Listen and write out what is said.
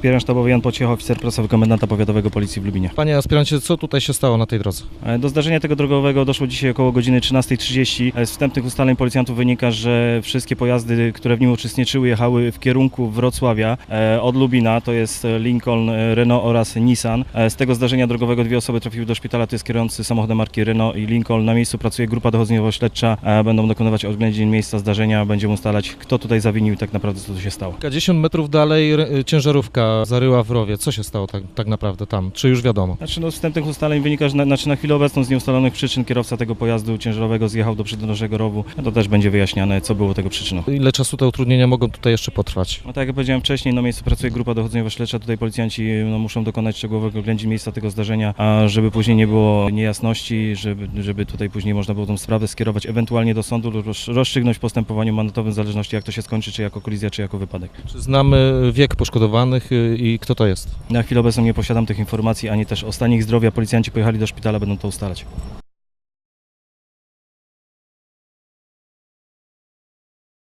Aspirant sztabowy Jan Pociecha, oficer prasowy komendanta powiatowego Policji w Lubinie. Panie aspirancie, co tutaj się stało na tej drodze? Do zdarzenia tego drogowego doszło dzisiaj około godziny 13:30. Z wstępnych ustaleń policjantów wynika, że wszystkie pojazdy, które w nim uczestniczyły, jechały w kierunku Wrocławia od Lubina, to jest Lincoln, Renault oraz Nissan. Z tego zdarzenia drogowego 2 osoby trafiły do szpitala, to jest kierujący samochodem marki Renault i Lincoln. Na miejscu pracuje grupa dochodzeniowo-śledcza, będą dokonywać oględzin miejsca zdarzenia, będziemy ustalać, kto tutaj zawinił i tak naprawdę co tu się stało. Kilkadziesiąt metrów dalej ciężarówka zaryła w rowie. Co się stało tak naprawdę tam? Czy już wiadomo? Z wstępnych ustaleń wynika, że na chwilę obecną z nieustalonych przyczyn kierowca tego pojazdu ciężarowego zjechał do przydrożnego rowu. To też będzie wyjaśniane, co było tego przyczyną. Ile czasu te utrudnienia mogą tutaj jeszcze potrwać? Tak jak powiedziałem wcześniej, na miejscu pracuje grupa dochodzeniowo-śledcza. Tutaj policjanci muszą dokonać szczegółowego oględzin miejsca tego zdarzenia, a żeby później nie było niejasności, żeby tutaj później można było tą sprawę skierować ewentualnie do sądu lub rozstrzygnąć w postępowaniu mandatowym w zależności jak to się skończy, czy jako kolizja, czy jako wypadek. Czy znamy wiek poszkodowanych i kto to jest? Na chwilę obecną nie posiadam tych informacji, ani też o stanie ich zdrowia. Policjanci pojechali do szpitala, będą to ustalać.